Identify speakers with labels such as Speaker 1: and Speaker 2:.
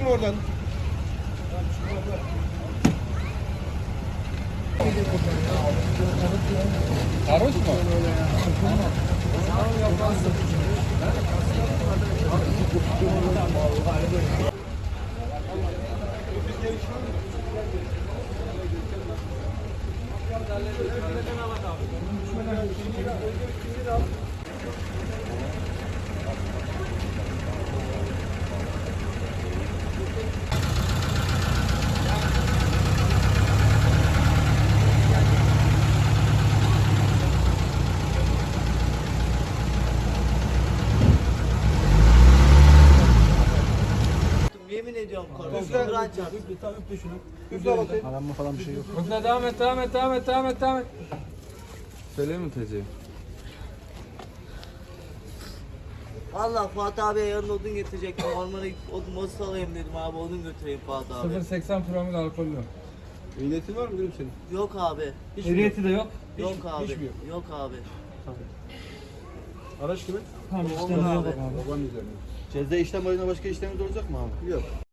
Speaker 1: mı oradan? Sarhoş mu?
Speaker 2: Yemin ediyorum korkuyorum. Kur'an çarpsın.
Speaker 1: Aranma falan bir şey yok.
Speaker 3: Hızla devam et. Söyleyeyim mi TC'yi?
Speaker 2: Valla Fuat abiye yarın odun getirecektim. Ormana gidip odun mozu alayım dedim abi, odun götüreyim Fuat abi.
Speaker 3: 0.80 promil alkollü.
Speaker 1: Ehliyetin var mı gülüm senin?
Speaker 2: Yok abi.
Speaker 3: Ehliyeti de yok.
Speaker 2: Yok abi.
Speaker 1: hiç mi yok?
Speaker 2: Yok abi.
Speaker 1: Araç kimin?
Speaker 3: Tamam
Speaker 2: işte ne yapalım
Speaker 1: Babanın üzerine.
Speaker 4: Ceza işlem ayına başka işlemimiz olacak mı abi?
Speaker 1: Yok.